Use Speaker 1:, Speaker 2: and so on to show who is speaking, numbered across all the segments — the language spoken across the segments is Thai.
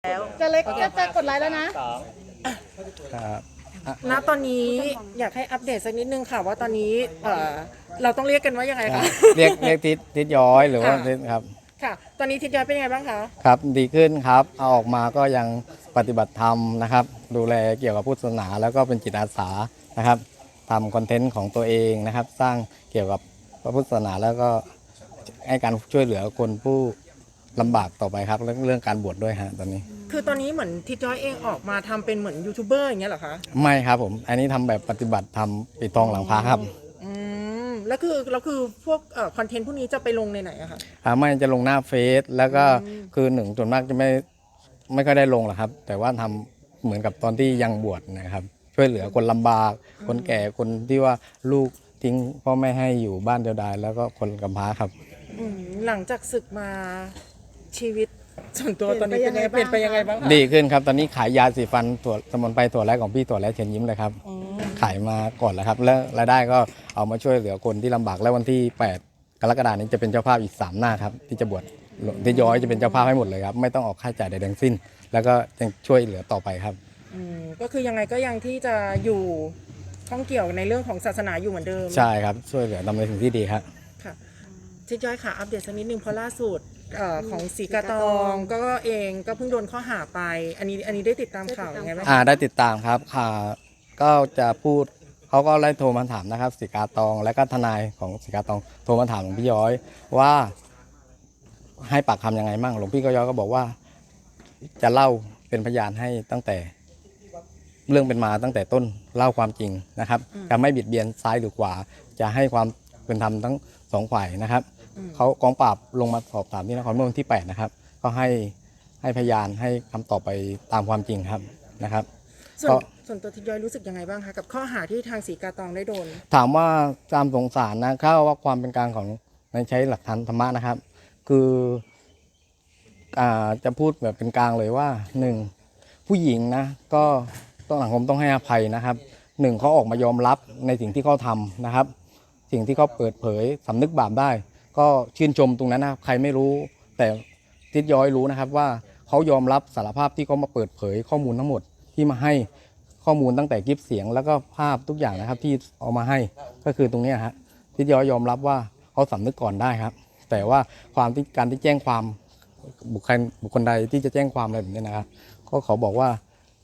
Speaker 1: แล้ว
Speaker 2: จะเล็กก็จะกดไลค์แล้วนะครับ
Speaker 3: ณตอนนี้อยากให้อัปเดตสักนิดนึงค่ะว่าตอนนี้เราต้องเรียกกันว่ายังไงคะ
Speaker 4: เรียกทิศย้อยหรือว่าทิศครับ
Speaker 3: ค่ะตอนนี้ทิศย้อยเป็นยังไงบ้างคะ
Speaker 4: ครับดีขึ้นครับเอาออกมาก็ยังปฏิบัติธรรมนะครับดูแลเกี่ยวกับพุทธศาสนาแล้วก็เป็นจิตอาสานะครับทำคอนเทนต์ของตัวเองนะครับสร้างเกี่ยวกับพระพุทธศาสนาแล้วก็ให้การช่วยเหลือคนผู้ลำบากต่อไปครับเรื่องการบวชด้วยฮะตอนนี้
Speaker 3: คือตอนนี้เหมือนทิศย้อยเองออกมาทำเป็นเหมือนยูทูบเบอร์อย่างเงี้ยเหรอคะ
Speaker 4: ไม่ครับผมอันนี้ทำแบบปฏิบัติทำปิดทองหลังพระครับ
Speaker 3: แล้วคือพวกคอนเทนต์พวกนี้จะไปลงในไหนอะคะ
Speaker 4: ไม่จะลงหน้าเฟซแล้วก็คือหนึ่งส่วนมากจะไม่ค่อยได้ลงหรอกครับแต่ว่าทำเหมือนกับตอนที่ยังบวชนะครับช่วยเหลือคนลำบากคนแก่คนที่ว่าลูกทิ้งพ่อแม่ให้อยู่บ้านเดียวดายแล้วก็คนกำพร้าครับ
Speaker 3: หลังจากศึกมาชีวิตส่วนตัวตอนนี้เป็นยังไงเปลี่ยนไปยังไงบ้างคะ
Speaker 4: ดีขึ้นครับตอนนี้ขายยาสีฟันถั่วสมุนไพรถั่วแรกของพี่ถั่วแรกเชิญยิ้มเลยครับขายมาก่อนแล้วครับแล้วรายได้ก็เอามาช่วยเหลือคนที่ลำบากแล้ววันที่8 กรกฎาคมนี้จะเป็นเจ้าภาพอีก3 หน้าครับที่จะบวชที่ย้อยจะเป็นเจ้าภาพให้หมดเลยครับไม่ต้องออกค่าใช้จ่ายใดทั้งสิ้นแล้วก็ยังช่วยเหลือต่อไปครับ
Speaker 3: ก็คือยังไงก็ยังที่จะอยู่ข้องเกี่ยวในเรื่องของศาสนาอยู่เหมือนเดิม
Speaker 4: ใช่ครับช่วยเหลือทำในสิ่งที่ดีครับ
Speaker 3: ค่ะทิศย้อยค่ะอัปเดตสักนิดนึงเพราะล่าสุดของศรีกาตองก็เองก็เพิ่งโดนข้อหาไปอันนี้ได้ติดตามข่าวยังไงบ้าง
Speaker 4: ได้ติดตามครับก็จะพูดเขาก็ไล่โทรมาถามนะครับศรีกาตองและก็ทนายของศรีกาตองโทรมาถามหลวงพี่ย้อยว่าให้ปากคำยังไงมั่งหลวงพี่ก็ย้อยก็บอกว่าจะเล่าเป็นพยานให้ตั้งแต่เรื่องเป็นมาตั้งแต่ต้นเล่าความจริงนะครับจะไม่บิดเบียนซ้ายหรือขวาจะให้ความเป็นธรรมทั้ง2 ฝ่ายนะครับเขากองปราบลงมาสอบถามที่นครเมื่อวันที่8นะครับก็ให้พยานให้คำตอบไปตามความจริงครับนะครับ
Speaker 3: ส่วนตัวทิศย้อยรู้สึกยังไงบ้างคะกับข้อหาที่ทางศรีกาตองได้โดน
Speaker 4: ถามว่าตามสงสารนะเข้าว่าความเป็นกลางของในใช้หลักฐานธรรมะนะครับคือจะพูดแบบเป็นกลางเลยว่า1ผู้หญิงนะก็ต้องสังคมต้องให้อภัยนะครับ1เขาออกมายอมรับในสิ่งที่เขาทำนะครับสิ่งที่เขาเปิดเผยสำนึกบาปได้ก็ชื่นชมตรงนั้นนะใครไม่รู้แต่ทิศย้อยรู้นะครับว่าเขายอมรับสารภาพที่เขามาเปิดเผยข้อมูลทั้งหมดที่มาให้ข้อมูลตั้งแต่คลิปเสียงแล้วก็ภาพทุกอย่างนะครับที่เอามาให้ก็คือตรงนี้ฮะทิศย้อยยอมรับว่าเขาสำนึกก่อนได้ครับแต่ว่าการที่แจ้งความบุคคลใดที่จะแจ้งความอะไรแบบนี้นะครับก็เขาบอกว่า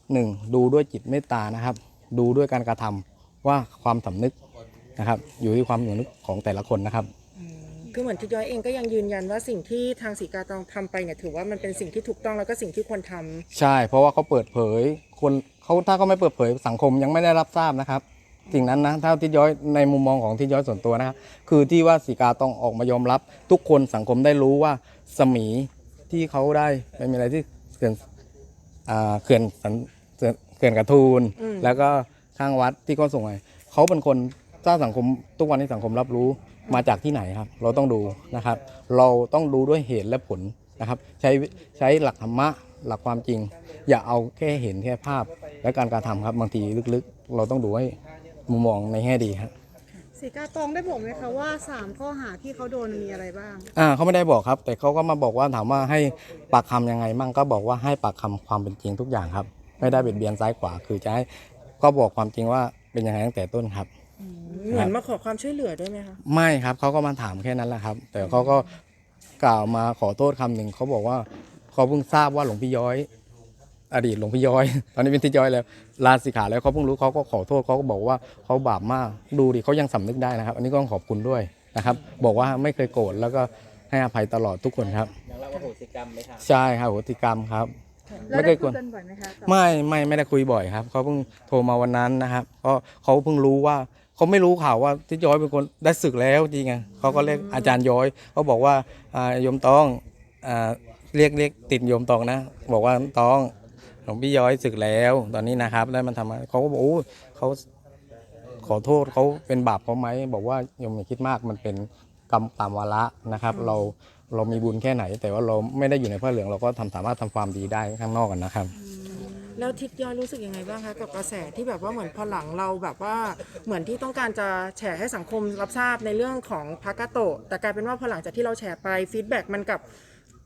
Speaker 4: 1ดูด้วยจิตเมตตานะครับดูด้วยการกระทำว่าความสำนึกนะครับอยู่ที่ความสำนึกของแต่ละคนนะครับ
Speaker 3: คือเหมือนทิศย้อยเองก็ยังยืนยันว่าสิ่งที่ทางศรีกาตองทำไปเนี่ยถือว่ามันเป็นสิ่งที่ถูกต้องแล้วก็สิ่งที่ควรทำ
Speaker 4: ใช่เพราะว่าเขาเปิดเผยคนเขาถ้าเขาไม่เปิดเผยสังคมยังไม่ได้รับทราบนะครับสิ่งนั้นนะถ้าทิศย้อยในมุมมองของทิศย้อยส่วนตัวนะครับคือที่ว่าศรีกาต้องออกมายอมรับทุกคนสังคมได้รู้ว่าสมีที่เขาได้ไม่มีอะไรที่เขื่อนกระทูลแล้วก็ข้างวัดที่เขาส่งไปเขาเป็นคนสร้างสังคมทุกวันนี้สังคมรับรู้มาจากที่ไหนครับเราต้องดูนะครับเราต้องดูด้วยเหตุและผลนะครับใช้หลักธรรมะหลักความจริงอย่าเอาแค่เห็นแค่ภาพและการกระทำครับบางทีลึกๆเราต้องดูให้มุมมองในแง่ดีครับ
Speaker 2: ศรีกาตองได้บอกไหมคะว่า3 ข้อหาที่เขาโดนมีอะไรบ้าง
Speaker 4: เขาไม่ได้บอกครับแต่เขาก็มาบอกว่าถามว่าให้ปากคำยังไงมั่งก็บอกว่าให้ปากคำความเป็นจริงทุกอย่างครับไม่ได้เบียดเบียนซ้ายขวาคือจะให้ก็บอกความจริงว่าเป็นยังไงตั้งแต่ต้นครับ
Speaker 3: เหมือนมาขอความช่วยเหลือด้วยไหมคะ
Speaker 4: ไม่ครับเขาก็มาถามแค่นั้นแหละครับแต่เขาก็กล่าวมาขอโทษคำหนึ่งเขาบอกว่าเขาเพิ่งทราบว่าหลวงพี่ย้อยอดีตหลวงพี่ย้อยตอนนี้เป็นทิศย้อยแล้วลาสิกขาแล้วเขาเพิ่งรู้เขาก็ขอโทษเขาก็บอกว่าเขาบาปมากดูดิเขายังสำนึกได้นะครับอันนี้ก็ต้องขอบคุณด้วยนะครับบอกว่าไม่เคยโกรธแล้วก็ให้อภัยตลอดทุกคนครับ
Speaker 1: ยังรับอโหสิกรรมไหมครับ
Speaker 4: ใช่ครับอโหสิกรรมครับ
Speaker 2: ไม่ได้คุยกันบ่อยไหมคะ
Speaker 4: ไม่ได้คุยบ่อยครับเขาเพิ่งโทรมาวันนั้นนะครับก็เขาเพิ่งรู้ว่าเขาไม่รู้ข่าวว่าทิศย้อยเป็นคนได้ศึกแล้วจริงไงเขาก็เรียกอาจารย์ย้อยเขาบอกว่าโยมตองเรียกติดโยมตองนะบอกว่าตองหลวงพี่ย้อยศึกแล้วตอนนี้นะครับได้มันทำเขาก็บอกเขาขอโทษเขาเป็นบาปเขาไหมบอกว่าโยมอย่าคิดมากมันเป็นกรรมตามวาระนะครับเรามีบุญแค่ไหนแต่ว่าเราไม่ได้อยู่ในผ้าเหลืองเราก็สามารถทำความดีได้ข้างนอกกันนะครับ
Speaker 3: แล้วทิศย้อยรู้สึกยังไงบ้างคะกับกระแสที่แบบว่าเหมือนพอหลังเราแบบว่าเหมือนที่ต้องการจะแฉให้สังคมรับทราบในเรื่องของพระกาโตะแต่กลายเป็นว่าพอหลังจากที่เราแฉไปฟีดแบ็กมันกับ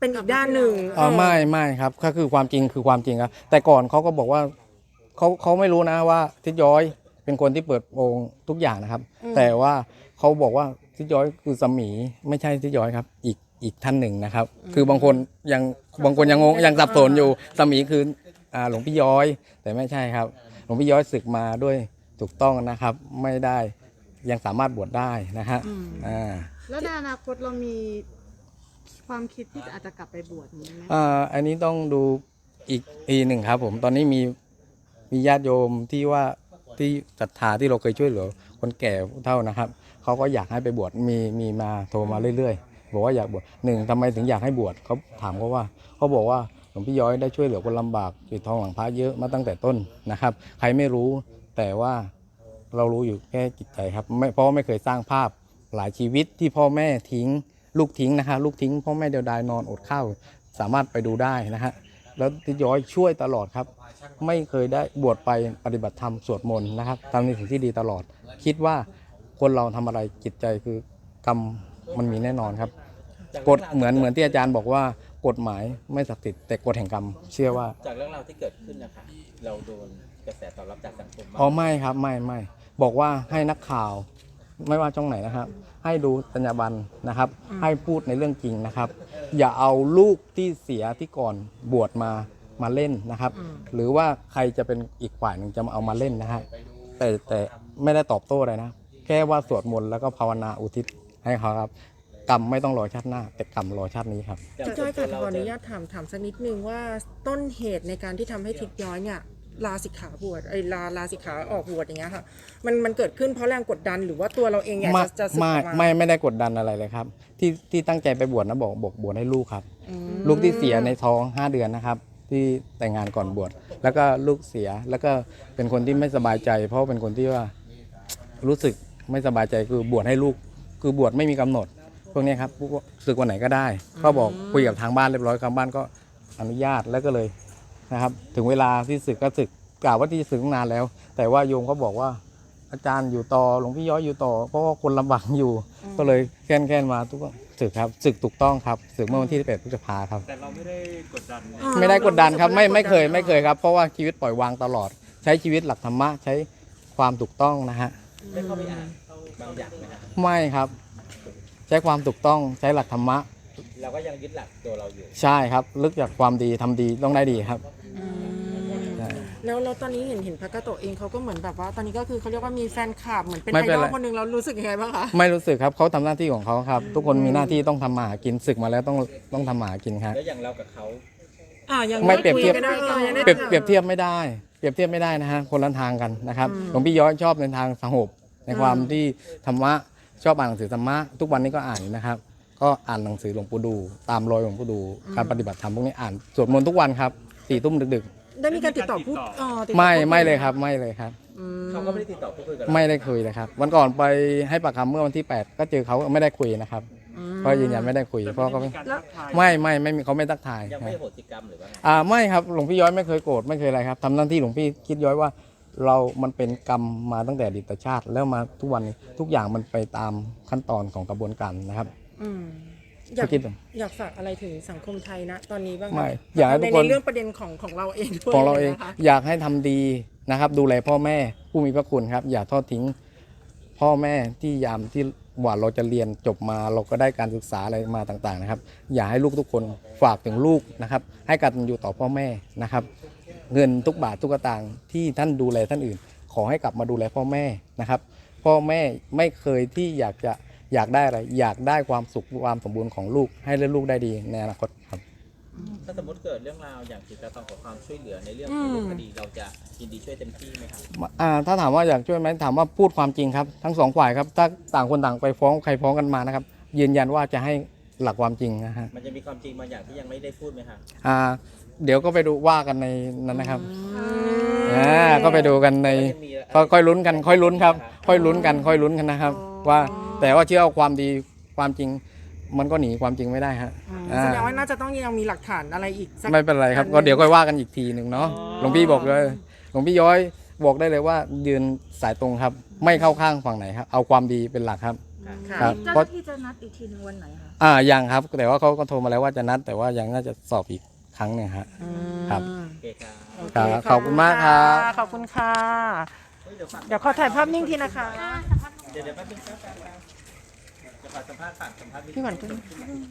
Speaker 3: เป็นอีกด้านหนึ่ง
Speaker 4: ไม่ครับก็คือความจริงคือความจริงครับแต่ก่อนเขาก็บอกว่าเขาไม่รู้นะว่าทิศย้อยเป็นคนที่เปิดโปงทุกอย่างนะครับ แต่ว่าเขาบอกว่าทิศย้อยคือสมีไม่ใช่ทิศย้อยครับอีกท่านหนึ่งนะครับ คือบางคนยังงงยังสับสนอยู่สมีคือหลวงพี่ย้อย แต่ไม่ใช่ครับหลวงพี่ย้อยศึกมาด้วยถูกต้องนะครับ ไม่ได้ยังสามารถบวชได้นะฮะ
Speaker 2: แล้วในอนาคตเรามีความคิดที่อาจจะกลับไปบวชนี้ไหม
Speaker 4: อันนี้ต้องดูอีกทีหนึ่งครับผมตอนนี้มีญาติโยมที่ว่าที่ศรัทธาที่เราเคยช่วยเหลือคนแก่ผู้เฒ่านะครับเขาก็อยากให้ไปบวชมีมาโทรมาเรื่อยๆบอกว่าอยากบวชหนึ่งทำไมถึงอยากให้บวชเขาถามเขาบอกว่าหลวงพี่ย้อยได้ช่วยเหลือคนลำบากปิดทองหลังพระเยอะมาตั้งแต่ต้นนะครับใครไม่รู้แต่ว่าเรารู้อยู่แค่จิตใจครับเพราะไม่เคยสร้างภาพหลายชีวิตที่พ่อแม่ทิ้งลูกทิ้งนะครับลูกทิ้งพ่อแม่เดียวดายนอนอดข้าวสามารถไปดูได้นะฮะแล้วที่ย้อยช่วยตลอดครับไม่เคยได้บวชไปปฏิบัติธรรมสวดมนต์นะครับทำในสิ่งที่ดีตลอดคิดว่าคนเราทำอะไรจิตใจคือกรรมมันมีแน่นอนครับกฎเหมือนที่อาจารย์บอกว่ากฎหมายไม่ศักดิ์สิทธิ์แต่กฎแห่งกรรมเชื่อว่า
Speaker 1: จากเรื่องราวที่เกิดขึ้นนะคะเราโดนกระแสตอบรับจากสังคมบ้าง
Speaker 4: อ๋อไม่ครับไม่บอกว่าให้นักข่าวไม่ว่าช่องไหนนะครับให้ดูจรรยาบรรณนะครับให้พูดในเรื่องจริงนะครับอย่าเอาลูกที่เสียที่ก่อนบวชมาเล่นนะครับหรือว่าใครจะเป็นอีกฝ่ายหนึ่งจะมาเอามาเล่นนะฮะแต่ไม่ได้ตอบโต้อะไรนะแค่ว่าสวดมนต์แล้วก็ภาวนาอุทิศให้เขาครับกรรมไม่ต้องรอชาติหน้าแต่กรรมรอชาตินี้ครับ
Speaker 3: ทิศย้อยค่ะขออนุญาตถามสักนิดนึงว่าต้นเหตุในการที่ทำให้ทิศย้อยเนี่ยลาสิกขาบวชลาสิกขาออกบวชอย่างเงี้ยค่ะมันเกิดขึ้นเพราะแรงกดดันหรือว่าตัวเราเองอยากจะสึกออกมา
Speaker 4: ไม่ได้กดดันอะไรเลยครับที่ตั้งใจไปบวชนะบอกบวชให้ลูกครับลูกที่เสียในท้อง5 เดือนนะครับที่แต่งงานก่อนบวชแล้วก็ลูกเสียแล้วก็เป็นคนที่ไม่สบายใจ เพราะเป็นคนที่ว่ารู้สึกไม่สบายใจคือบวชให้ลูกคือบวชไม่มีกำหนดพวกนี้ครับศึกวันไหนก็ได้ก็บอกคุยกับทางบ้านเรียบร้อยทางบ้านก็อนุญาตแล้วก็เลยนะครับถึงเวลาที่ศึกก็ศึกกล่าวว่าที่ศึกตั้งนานแล้ว แต่ว่าโยมเขาบอกว่าอาจารย์อยู่ต่อหลวงพี่ย้อยอยู่ต่อเพราะว่าคนลำบากอยู่ก็เลยแค่นมาทุกศึกครับศึกถูกต้องครับศึกเมื่อวันที่11 พฤษภาครับ
Speaker 1: แต่เราไม่ได้กดดัน
Speaker 4: ไม่ได้กดดันครับไม่เคยครับเพราะว่าชีวิตปล่อยวางตลอดใช้ชีวิตหลักธรรมะใช้ความถูกต้องนะฮะ
Speaker 1: ได้เข้าไปอ่านบางอย่างไหมครับ
Speaker 4: ไม่ครับใช้ความถูกต้องใช้หลักธรรมะ
Speaker 1: เราก็ยังยึดหลักตัวเราอยู่
Speaker 4: ใช่ครับลึกจากความดีทำดีต้องได้ดีครับใช่
Speaker 3: แล้วตอนนี้เห็นพระกาโตะเองเขาก็เหมือนแบบว่าตอนนี้ก็คือเขาเรียกว่ามีแฟนคลับเหมือนเป็น
Speaker 4: ไม่
Speaker 3: ไอ
Speaker 4: เป็น
Speaker 3: ดอ
Speaker 4: ไร
Speaker 3: ลคนหนึ่งเรารู้สึกยังไงบ้างคะ
Speaker 4: ไม่รู้สึกครับเขาทำหน้าที่ของเขาครับ ทุกคนมีหน้าที่ต้องทำมาหากินศึกมาแล้วต้องทำมาหากินครับ
Speaker 1: แล้วอย่างเรากับเขา
Speaker 3: ยัง
Speaker 4: ไม่เปรียบเทียบ
Speaker 3: คุกันได้ยังได้
Speaker 4: เปรียบเทียบไม่ได้นะฮะคนละทางกันนะครับหลวงพี่ย้อยชอบในทางสงบในความที่ธรรมะชอบอ่านหนังสือธรรมะทุกวันนี้ก็อ่านอยู่นะครับก็อ่านหนังสือหลวงปู่ดูตามรอยหลวงปู่ดูการปฏิบัติธรรมพวกนี้อ่านสวดมนต์ทุกวันครับ4 ทุ่มดึก
Speaker 3: ได้มีการติดต่อพูดติด
Speaker 4: ๆ
Speaker 3: ต่อ
Speaker 4: ไม่เลยครับไม่เลยครับ
Speaker 1: เขาก็ไม่ได้ติดต่อพูดคุยกับเรา
Speaker 4: ไม่ได้คุยเลยครับวันก่อนไปให้ปากคำเมื่อวันที่ 8 ก็เจอเขาไม่ได้คุยนะครับก็ยืนยันไม่ได้คุยเพราะเขาไม่มีเขาไม่ทักทาย
Speaker 1: ยัง
Speaker 4: ค
Speaker 1: ไม่
Speaker 4: รับ
Speaker 1: โหสิกรรมหรือว่าไง
Speaker 4: ไม่ครับหลวงพี่ย้อยไม่เคยโกรธไม่เคยอะไรครับทำหน้าที่หลวงพี่คิดย้อยว่ามันเป็นกรรมมาตั้งแต่อดีตชาติแล้วมาทุกวันนี้ทุกอย่างมันไปตามขั้นตอนของกระบวนการนะครับ
Speaker 3: อยากฝากอะไรถึงสังคมไทยนะตอนนี้บ้าง
Speaker 4: ไม่อยากให้ทุกคน
Speaker 3: ในเรื่องประเด็นของเราเองด้วย
Speaker 4: ของเราเอง
Speaker 3: นะคะ
Speaker 4: อยากให้ทำดีนะครับ ดูแลพ่อแม่ผู้มีพระคุณครับ อย่าทอดทิ้งพ่อแม่ที่ยามที่ว่าเราจะเรียนจบมาเราก็ได้การศึกษาอะไรมาต่างๆนะครับ อย่าให้ลูกทุกคนฝากถึงลูกนะครับ ให้กตัญญูต่อพ่อแม่นะครับ เงินทุกบาททุกสตางค์ที่ท่านดูแลท่านอื่น ขอให้กลับมาดูแลพ่อแม่นะครับ พ่อแม่ไม่เคยที่อยากได้อะไรอยากได้ความสุขความสมบูรณ์ของลูกให้ลูกได้ดีในอนาคตครับ
Speaker 1: ถ้าสมมติเกิดเรื่องราวอย่างสีกาตองขอความช่วยเหลือในเรื่องของรูปคดีเราจะยินดีช่วยเต็มที่ไหมครับ
Speaker 4: ถ้าถามว่าอยากช่วยไหมถามว่าพูดความจริงครับทั้งสองฝ่ายครับถ้าต่างคนต่างไปฟ้องใครฟ้องกันมานะครับยืนยันว่าจะให้หลักความจริงนะฮะ
Speaker 1: มันจะมีความจริงบางอย่างที่ยังไม่ได้พูดไหมครับ
Speaker 4: เดี๋ยวก็ไปดูว่ากันในนั้นนะครับก็ไปดูกันในค่อยลุ้นกันค่อยลุ้นครับค่อยลุ้นกันนะครับ ว่าแต่ว่าเชื่อว่าความดีความจริงมันก็หนีความจริงไม่ได้ฮะ
Speaker 3: แสดงว่าน่าจะต้องยังมีหลักฐานอะไรอีกสัก
Speaker 4: ไม่เป็นไรครับก็เดี๋ยวค่อยว่ากันอีกทีหนึ่งเนาะหลวงพี่บอกเลยหลวงพี่ย้อยบอกได้เลยว่ายืนสายตรงครับ ไม่เข้าข้างฝั่งไหนครับเอาความดีเป็นหลักครับ
Speaker 3: ค่ะ
Speaker 4: ครับ
Speaker 5: เจ้า
Speaker 4: เพ
Speaker 5: ห
Speaker 4: ราะ
Speaker 5: น้าที่จะนัดอีกทีหนึงวันไหนคะ
Speaker 4: ยังครับ แต่ว่าเขาก็โทรมาแล้วว่าจะนัด แต่ว่ายังน่าจะสอบอีกครั้งหนึ่งฮะ ครับ
Speaker 1: โอเคครับ
Speaker 3: โอเค
Speaker 4: ครับขอบคุณมากครับ
Speaker 3: ขอบคุณค่ะ
Speaker 1: เฮ้ยเดี๋ยวฝาก
Speaker 3: เดี๋ยวขอถ่ายภาพนิ่งทีนะคะ
Speaker 1: เดี๋ยวแป๊บนึงครับเดี๋ยวขอสัมภาษณ์ฝากสัมภาษณ์
Speaker 3: พี่หวัน